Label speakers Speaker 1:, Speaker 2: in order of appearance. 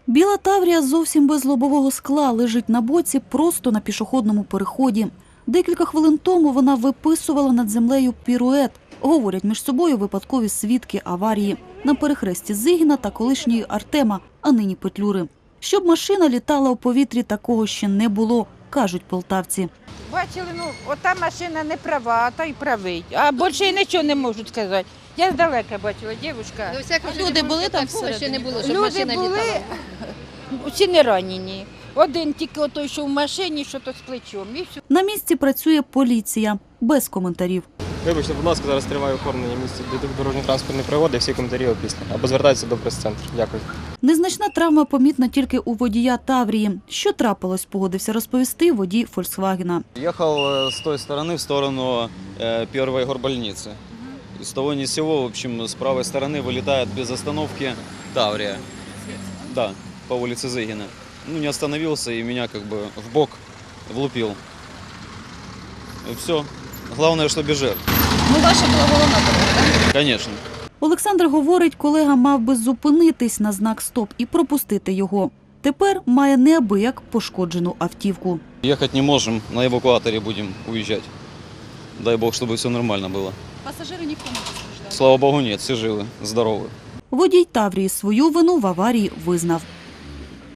Speaker 1: Біла Таврія зовсім без лобового скла лежить на боці просто на пішохідному переході. Декілька хвилин тому вона виписувала над землею пірует. Говорять між собою випадкові свідки аварії на перехресті Зигіна та колишньої Артема, а нині Петлюри. Щоб машина літала у повітрі, такого ще не було, кажуть полтавці.
Speaker 2: Бачили, ота машина не права, а та й правий. А більше й нічого не можу сказати. Я здалека бачила, дівчинка.
Speaker 3: Люди були там ще не було, щоб
Speaker 2: Люди
Speaker 3: машина
Speaker 2: були,
Speaker 3: літала.
Speaker 2: всі не ранені. Один тільки отой, що в машині, що то з плечом. І все.
Speaker 1: На місці працює поліція. Без коментарів.
Speaker 4: Вибачте, будь ласка, зараз триває оформлення місця дорожньо-транспортної пригоди, всі коментарі опісля. Або звертайтеся до прес-центру. Дякую.
Speaker 1: Незначна травма помітна тільки у водія Таврії. Що трапилось, погодився розповісти водій «Фольксвагена».
Speaker 5: Ехал с той стороны в сторону первой горбольницы. И с того ни с сего, в общем, с правой стороны вылетает без остановки Таврия. Да, по улице Зыгина. Ну, не остановился и меня как бы в бок влупил. И все. Главное, что без жертв.
Speaker 3: Ну, ваша була головна дорога, так?
Speaker 5: Конечно.
Speaker 1: Олександр говорить, колега мав би зупинитись на знак «Стоп» і пропустити його. Тепер має неабияк пошкоджену автівку.
Speaker 5: Ехать не можем, на эвакуаторе будем уезжать. Дай бог, чтобы все нормально было.
Speaker 3: Пасажири ніхто не постраждав.
Speaker 5: Слава богу, нет, все живы, здоровы.
Speaker 1: Водій Таврії свою вину в аварії визнав.